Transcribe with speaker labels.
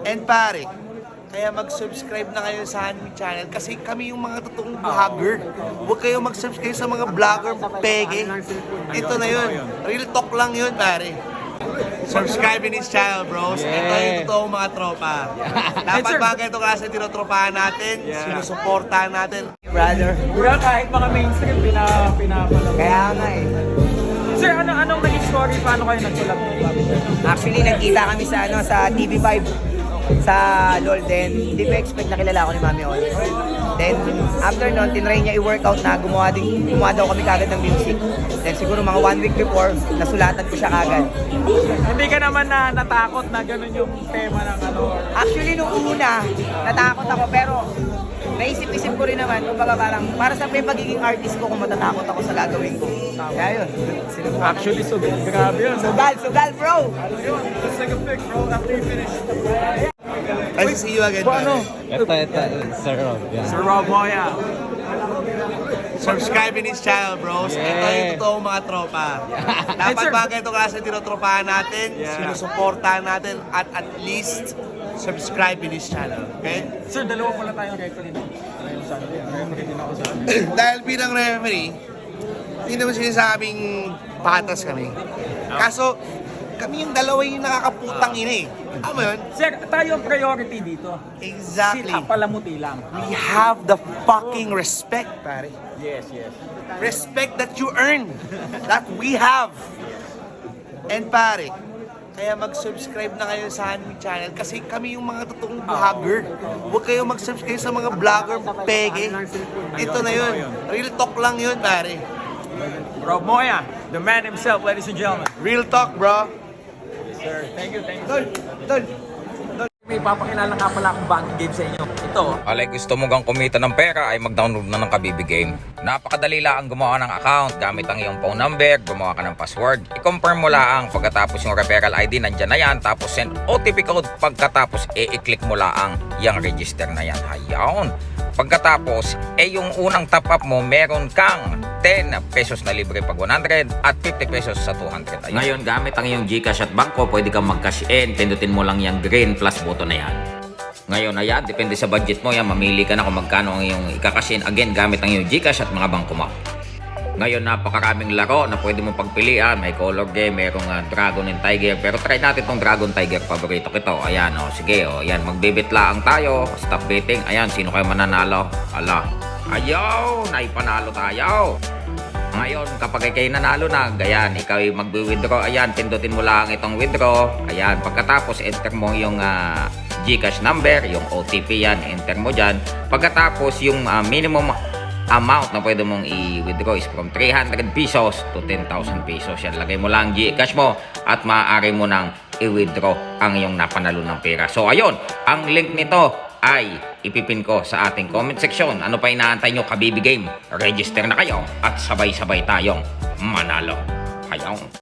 Speaker 1: And pare, kaya mag-subscribe na kayo sa aming channel kasi kami yung mga totoong vlogger. Huwag kayo mag-subscribe sa mga vlogger pege. Ito na yun. Real talk lang yun, pare. Subscribe in his channel, bros. Ito yung totoong mga tropa. Dapat ba ganito klase tinotropahan natin? Sinusuportahan natin.
Speaker 2: Brother.
Speaker 3: Diba kahit mga mainstream, pinapanood.
Speaker 2: Kaya nga eh.
Speaker 3: Sir, anong naging story? Paano kayo nagsulap ng Bobby Sir?
Speaker 2: Actually, nagkita kami sa sa TV5 sa LOL din. Hindi pa expect na kilala ako ni Mami On. Then, after nun, tinry niya i-workout na gumawa daw kami kagad ng music. Then siguro mga 1 week before, nasulatan ko siya kagad.
Speaker 3: Hindi ka naman na natakot na ganun yung tema ng ano?
Speaker 2: Actually, nung una, natakot ako pero naisip-isip ko rin naman, kumbaga parang para sa pagiging artist ko kung matatakot ako sa gagawin ko. Kaya yun.
Speaker 3: Actually, so grabe yun.
Speaker 2: Sugal bro!
Speaker 3: Yun, let's take a pic bro after you finish.
Speaker 1: Nice to see you again, pare.
Speaker 4: Ito, Sir Rob. Yan.
Speaker 3: Sir Rob Moya.
Speaker 1: Subscribe in his channel, bros. Ito yung totoong mga tropa. Dapat ba ganito klase tinotropahan natin? Sinusuportahan natin at least subscribe in his channel. Okay?
Speaker 3: Sir, dalawa pala tayong referee. Referee din ako sa
Speaker 1: Dahil bilang referee, hindi naman sinasabing patas kami. Kaso, kami yung dalawa yung nakakaputang ina eh. Alam mo yun?
Speaker 3: Sir, tayo ang priority dito.
Speaker 1: Exactly.
Speaker 3: Sila palamuti lang.
Speaker 1: We have the fucking respect, pare.
Speaker 3: Yes, yes.
Speaker 1: Respect that you earn. That we have. And pare, kaya mag-subscribe na kayo sa aming channel kasi kami yung mga totoong vlogger. Huwag kayo mag-subscribe sa mga vlogger pege. Ito na yun. Real talk lang yun, pare.
Speaker 3: Rob Moya, the man himself, ladies and gentlemen.
Speaker 1: Real talk, bro.
Speaker 3: Sir, thank you.
Speaker 1: Tol.
Speaker 3: May papakilala nga pala akong banking game sa inyo. Ito,
Speaker 5: Alay, gusto mo gang kumita ng pera ay mag-download na ng Kabibi Game. Napakadali lang gumawa ng account gamit ang iyong phone number, gumawa ka ng password. I-confirm mo lang pagkatapos yung referral ID nandyan na yan. Tapos send OTP code pagkatapos i-click mo lang yung register na yan. Hayaw. Pagkatapos, yung unang top up mo, meron kang 10 pesos na libre pag 100 at 50 pesos sa 200. Ayun. Ngayon, gamit ang iyong GCash at bangko, pwede kang mag-cash in. Pindutin mo lang yung green plus button na yan. Ngayon, ayan, depende sa budget mo yan. Mamili ka na kung magkano ang iyong ikakash in. Again, gamit ang iyong GCash at mga bangko mo. Ngayon, napakaraming laro na pwede mong pagpilian. May color game, merong Dragon and Tiger. Pero try natin tong Dragon Tiger. Paborito ko ito. Ayan, sige, ayan, magbibit lang tayo. Stop betting. Ayan, sino kayo mananalo? Ala. Ayaw, naipanalo tayo. Ngayon, kapag kayo nanalo na, ayan, ikaw ay magwi-withdraw. Ayan, pindutin mo lang itong withdraw. Ayan, pagkatapos, enter mo yung GCash number, yung OTP yan, enter mo dyan. Pagkatapos, yung minimum amount na pwede mong i-withdraw is from 300 pesos to 10,000 pesos. Yan, lagay mo lang GCash mo at maaari mo nang i-withdraw ang iyong napanalo ng pera. So, ayun, ang link nito ay ipipin ko sa ating comment section. Ano pa inaantay nyo, Kabibi Game? Register na kayo at sabay-sabay tayong manalo. Hayong.